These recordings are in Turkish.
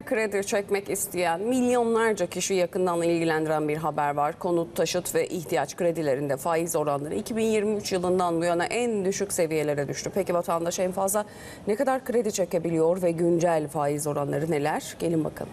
kredi çekmek isteyen milyonlarca kişi yakından ilgilendiren bir haber var. Konut, taşıt ve ihtiyaç kredilerinde faiz oranları 2023 yılından bu yana en düşük seviyelere düştü. Peki vatandaş en fazla ne kadar kredi çekebiliyor ve güncel faiz oranları neler? Gelin bakalım.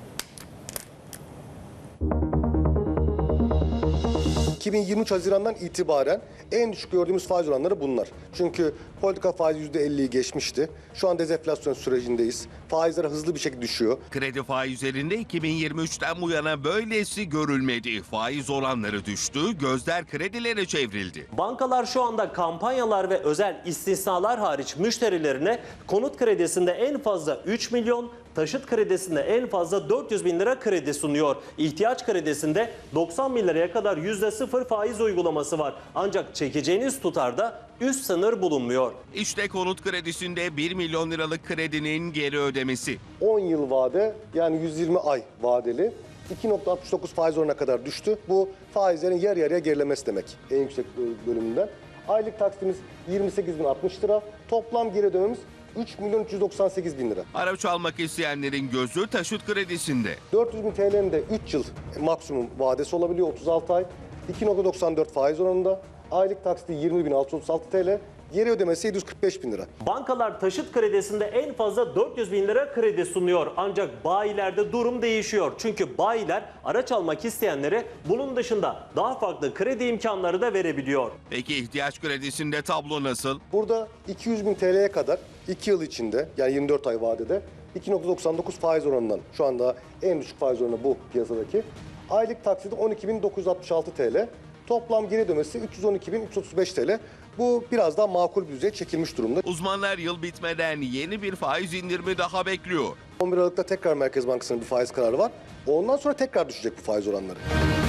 ...2023 Haziran'dan itibaren en düşük gördüğümüz faiz oranları bunlar. Çünkü politika faizi %50'yi geçmişti. Şu an dezenflasyon sürecindeyiz. Faizler hızlı bir şekilde düşüyor. Kredi faizlerinde 2023'ten bu yana böylesi görülmedi. Faiz oranları düştü, gözler kredilere çevrildi. Bankalar şu anda kampanyalar ve özel istisnalar hariç müşterilerine konut kredisinde en fazla 3 milyon, taşıt kredisinde en fazla 400 bin lira kredi sunuyor. İhtiyaç kredisinde 90 bin liraya kadar %0 faiz uygulaması var. Ancak çekeceğiniz tutarda üst sınır bulunmuyor. İşte konut kredisinde 1 milyon liralık kredinin geri ödemesi. 10 yıl vade, yani 120 ay vadeli 2,69 faiz oranına kadar düştü. Bu faizlerin yarı yarıya gerilemesi demek en yüksek bölümünden. Aylık taksitimiz 28.060 lira. Toplam geri ödememiz 3.398.000 lira. Araç almak isteyenlerin gözü taşıt kredisinde. 400.000 TL'nin de 3 yıl maksimum vadesi olabiliyor, 36 ay. 2,94 faiz oranında. Aylık taksiti 20.636 TL. Geri ödemesi 745.000 lira. Bankalar taşıt kredisinde en fazla 400 bin lira kredi sunuyor. Ancak bayilerde durum değişiyor. Çünkü bayiler araç almak isteyenlere bunun dışında daha farklı kredi imkanları da verebiliyor. Peki ihtiyaç kredisinde tablo nasıl? Burada 200.000 TL'ye kadar 2 yıl içinde, yani 24 ay vadede 2,99 faiz oranından, şu anda en düşük faiz oranı bu piyasadaki. Aylık taksidi 12.966 TL. Toplam geri ödemesi 312.335 TL. Bu biraz daha makul bir düzeye çekilmiş durumda. Uzmanlar yıl bitmeden yeni bir faiz indirimi daha bekliyor. 11 Aralık'ta tekrar Merkez Bankası'nın bir faiz kararı var. Ondan sonra tekrar düşecek bu faiz oranları.